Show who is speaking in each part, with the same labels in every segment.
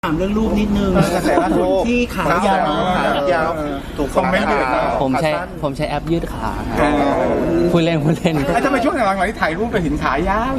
Speaker 1: ถามเรื่องรูปนิดนึง
Speaker 2: กระแสรูป
Speaker 1: ที่ขายาว
Speaker 2: ถูกคอมเมนต์เดือด
Speaker 3: ผมใช้แอปยืดขาพูดเล่น
Speaker 2: ทำไมช่วงหลังๆที่ถ่ายรูปไปเห็นขายาว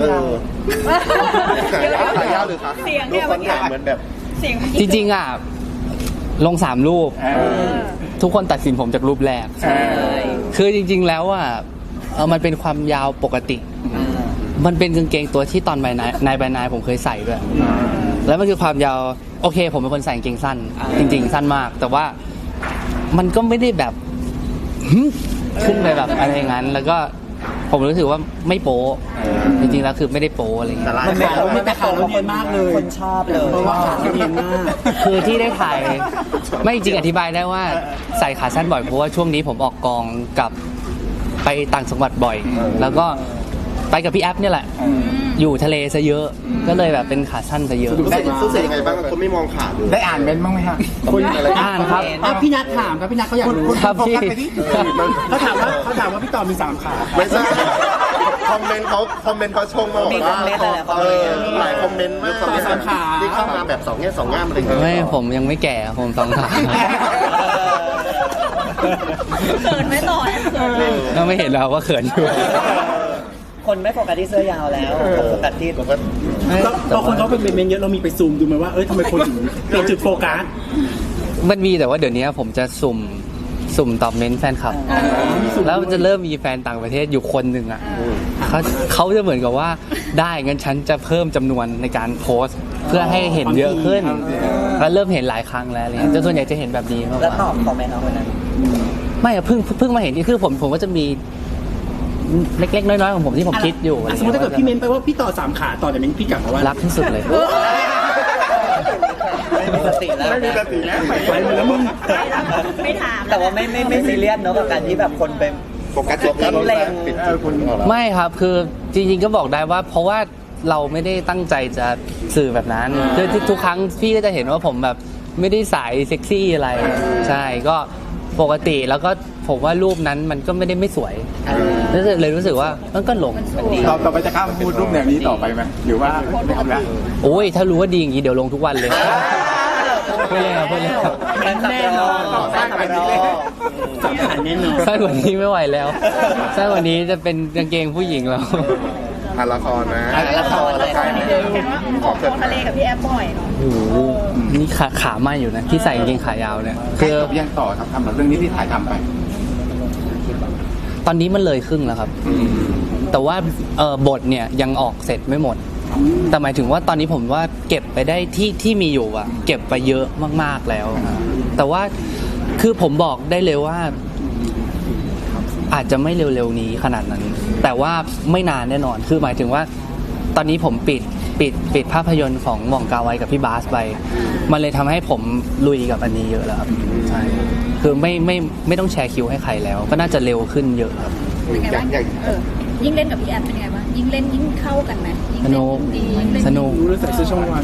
Speaker 2: ขายาวหรือขา
Speaker 4: เสียงเนี่ย
Speaker 2: รูปคนถ่ายเหมือนแบบ
Speaker 4: เสียง
Speaker 3: จริงๆอ่ะลง3 รูป ทุกคนตัดสินผมจากรูปแรก คือจริงๆแล้วอ่ะมันเป็นความยาวปกติ มันเป็นกางเกงตัวที่ตอนนายผมเคยใส่ด้วย แล้วมันคือความยาวโอเคผมเป็นคนใส่กางเกงสั้น จริงๆสั้นมาก แต่ว่ามันก็ไม่ได้แบบขึ้นไปแบบอะไรอย่างนั้น แล้วก็ผมรู้สึกว่าไม่โป๊จริงๆแล้วคือไม่ได้โป๊อะไรอย่างเงี้ย
Speaker 1: มันขาวไม่แต่ขาวแล้วเนียนมากเลยคนชอบเลยเพราะว่าขาวเนียนมาก
Speaker 3: คือที่ได้ถ่ายไม่จริงอธิบายได้ว่าใส่ขาสั้นบ่อยเพราะว่าช่วงนี้ผมออกกองกับไปต่างจังหวัดบ่อย แล้วก็ไปกับพี่แอฟเนี่ยแหละอยู่ทะเลซะเยอะก็เลยแบบเป็นขาสั้นซะเยอะ
Speaker 2: รู้สึกยังไงบ้างคนไม่มองขาดูได้อ่านเมนบ้างไหมฮะคนอะไร
Speaker 3: อ่านครับ
Speaker 1: พี่นัทถามครับพี่นัทเขาอยากรู้
Speaker 3: ครับพี่
Speaker 1: เขาถามว่าพี่ต่อมี3 ขา
Speaker 2: ไม่ใช่คอมเมนต์เขาชงมาบอกว่าหลายคอมเมนต์มากที่เข้ามาแบบ2 แง่ 2 ง่ามอะไรอย่างเงี้ย
Speaker 3: ไม่ผมยังไม่แก่ผมสองขา
Speaker 4: เขินไหมต่อเขินไหม
Speaker 3: ก็ไม่เห็นแล้วว่าเขินอยู่
Speaker 5: คนไม่โฟกัสที่เสื้อยาวแล้วโฟกัสที่
Speaker 1: บางคนเขาเป็นเมนเยอะเรามีไปซูมดูไหมว่าทำไมคนถึงเปลี่ยนจุดโฟกัส
Speaker 3: มันมีแต่ว่าเดี๋ยวนี้ผมจะสุ่มตอบเมนต์แฟนคลับ แล้วจะเริ่มมีแฟนต่างประเทศอยู่คนหนึ่งอ่ะเขาจะเหมือนกับว่าได้งั้นฉันจะเพิ่มจำนวนในการโพสต์เพื่อให้เห็นเยอะขึ้นแล้วเริ่มเห็นหลายครั้งแล้วอะไรเงี้ยแต่ส่วนใหญ่จะเห็นแบบนี้มากก
Speaker 5: แล้วตอ
Speaker 3: ว่า
Speaker 5: บคอมเมนต์เอาวันนั้น
Speaker 3: ไม่อะเพิ่งมาเห็นนี่คือผมก็จะมีเล็กๆน้อยๆของผมที่ผมคิดอยู่อะไร
Speaker 1: สมมติถ้าเกิดพี่เมนไปว่าพี่ต่อ3 ขาต่อแต่เมนพี่กลับมาว่า
Speaker 3: รักที่สุดเลย
Speaker 5: ไม่มีสติแล้ว
Speaker 2: ไม่มีสติแล้ว
Speaker 1: ไปหมดแล้วมึง
Speaker 4: ไม่ถาม
Speaker 5: แต่ว่าไม่ซีเรียสเนอะกับการที่แบบคนไป
Speaker 2: โฟกัสจบแล้วปิดคน
Speaker 3: ไม่ครับคือจริงๆก็บอกได้ว่าเพราะว่าเราไม่ได้ตั้งใจจะสื่อแบบนั้นคือทุกครั้งพี่ก็จะเห็นว่าผมแบบไม่ได้สายเซ็กซี่อะไรใช่ก็ปกติแล้วก็ผมว่ารูปนั้นมันก็ไม่ได้ไม่สวยเลยรู้สึกว่ามันก็หลง
Speaker 2: ต่อไปจะข้ามพูดรูปแนวนี้ต่อไปไหมหรือว่าไม่เอาละ
Speaker 3: โอ้ยถ้ารู้ว่าดีอย่างนี้เดี๋ยวลงทุกวันเลยไม่เลยครับไม่เลยครับ
Speaker 5: แน่นอน
Speaker 2: สร้างไปนี้
Speaker 1: 3 ขาแน่นอน
Speaker 3: สั้นกว่านี้ไม่ไหวแล้วสั้นกว่านี้จะเป็นกางเกงผู้หญิงแล้ว
Speaker 2: ละครนะ
Speaker 5: ละครเลย
Speaker 4: เห็นว่าออกทะเลกับพี่แอฟบ่อยเนาะ
Speaker 3: โอ้โหนี่ขาไหม้อยู่นะที่ใส่กางเกงขายาวเนี่ย
Speaker 2: คื
Speaker 3: คือ อ
Speaker 2: ยังต่อครับทำแบบเรื่องนี้ที่ถ่ายทำไป
Speaker 3: ตอนนี้มันเลยครึ่งแล้วครับ แต่ว่าบทเนี่ยยังออกเสร็จไม่หมด แต่หมายถึงว่าตอนนี้ผมว่าเก็บไปได้ที่มีอยู่อะเก็บไปเยอะมากๆแล้ว แต่ว่าคือผมบอกได้เลยว่า อาจจะไม่เร็วๆนี้ขนาดนั้น แต่ว่าไม่นานแน่นอนคือหมายถึงว่า ตอนนี้ผมปิดภาพยนตร์ของหม่องกาไวกับพี่บาสไปมันเลยทำให้ผมลุยกับอันนี้เยอะแล้วครับใช่คือไม่ต้องแชร์คิวให้ใครแล้ว ก็น่าจะเร็วขึ้นเยอะครับ
Speaker 4: เป็นไงบ้างยิ่งเล่นกับพี่แอฟเป็นไงบ้างยิ่งเล่นยิ่งเข้ากันไหมยิ่งเล่นยิ่งดียิ่งเล่น
Speaker 3: สนุก
Speaker 1: รู้ใส่เสื้อช่องวัน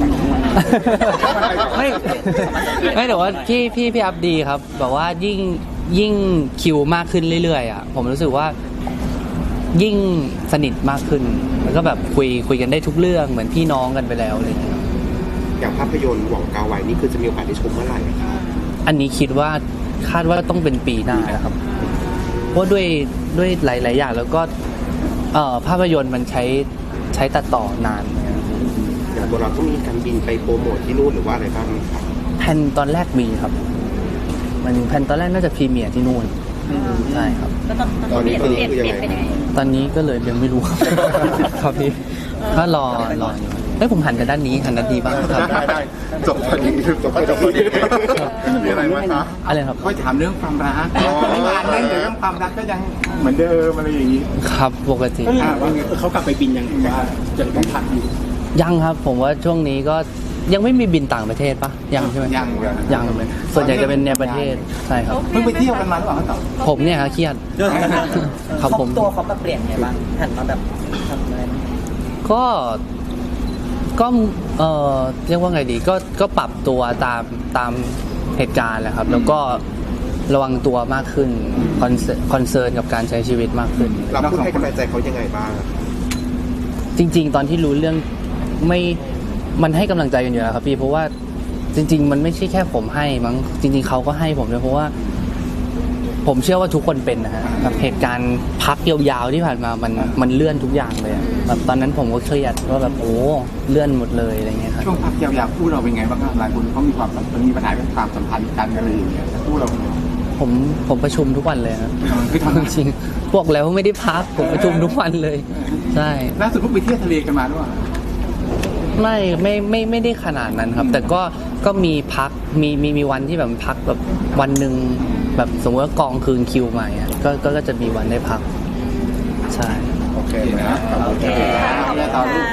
Speaker 3: ไม่แต่ว่าพี่อัพดีครับแบบว่ายิ่งคิวมากขึ้นเรื่อยๆอ่ะผมรู้สึกว่ายิ่งสนิทมากขึ้นแล้วก็แบบคุยกันได้ทุกเรื่องเหมือนพี่น้องกันไปแล้วอะไรอย่างเงี้ย
Speaker 2: อย่างภาพยนตร์หว่องกาไวนี่คือจะมีโอกาสได้ชมเมื่อไหร่ครับ
Speaker 3: อันนี้คิดว่าคาดว่าต้องเป็นปีหน้านะครับเพราะด้วยหลายๆอย่างแล้วก็ภาพยนตร์มันใช้ตัดต่อนานนะครับ
Speaker 2: อย่างตัวเราต้องมีการบินไปโปรโมทที่นู่นหรือว่าอะไรบ้างครับ
Speaker 3: แผนตอนแรกมีครับมันแผนตอนแรกน่าจะพรีเมียร์ที่นู่นใช่ครับ
Speaker 4: แล้วตอนนี้เปลี่ยนเป็นยังไง
Speaker 3: ตอนนี้ก็เลยยังไม่รู้ ครับพี่ก็รออยู่เฮ้ยผมหันกันด้านนี้หันด้านนี้บ้างครับ
Speaker 2: ได้จบพอดีมีอะไรไหมครับ
Speaker 3: อะไรครับ
Speaker 2: ก็ถามเรื่องความรักงานเล่นเรื่องความรักก็ยังเหมือนเดิมอะไรอย่างนี้
Speaker 3: ครับปกติ
Speaker 1: ว่าเขากลับไปบินยังว่าจะต้องพักอยู่
Speaker 3: ยังครับผมว่าช่วงนี้ก็ยังไม่มีบินต่างประเทศปะยังใช่ไหมยังเลยส่วนใหญ่จะเป็นในประเทศใช่ครับ
Speaker 2: เพิ่งไปเที่ยวกันมาหรือเปล่าครับ
Speaker 3: ผมเนี่ยครับเครียดครับผม
Speaker 5: ตัวเขามาเปลี่ยนไงบ้างหันมาแบบทำอะไร
Speaker 3: ก็เรียกว่าไงดีก็ปรับตัวตามเหตุการณ์แหละครับ แล้วก็ระวังตัวมากขึ้นคอนเซิร์นกับการใช้ชีวิตมากขึ้น
Speaker 2: เราพูดให้กำลังใจเขายังไงบ้าง
Speaker 3: จริงๆ ตอนที่รู้เรื่องมันให้กำลังใจกันอยู่แล้วครับพี่เพราะว่าจริงๆมันไม่ใช่แค่ผมให้มั้งจริงๆเขาก็ให้ผมด้วยเพราะว่า ผมเชื่อว่าทุกคนเป็นนะฮะแบบเหตุการณ์พักยาวๆที่ผ่านมามันเลื่อนทุกอย่างเลยอะแบบตอนนั้นผมก็เครียดว่าแบบโอ้เลื่อนหมดเลยอะไรเงี้ยครับ
Speaker 6: ช่วงพักยาวๆคู่เราเป็นไงบ้างครับหลายคนเขามีความมีปัญหาเรื่องความสัมพันธ์กันอะไรอย่างเงี้ยคู่เราเป็นไง
Speaker 3: ผมประชุมทุกวันเลยครับ
Speaker 6: คือทำ
Speaker 3: จริงๆบอกแล้วว่าไม่ได้พักผมประชุมทุกวันเลยใช่
Speaker 6: ล่าสุดเพิ่งไปเที่ยวทะเลกันมาด้วย
Speaker 3: ไม่ได้ขนาดนั้นครับ แต่ก็มีพักมีวันที่แบบพักแบบวันหนึ่งแบบสมมติว่ากองคืนคิวใหม่อะก็จะมีวันได้พักใช่
Speaker 2: โอเคไหมครับ
Speaker 6: โอเคต่อรูป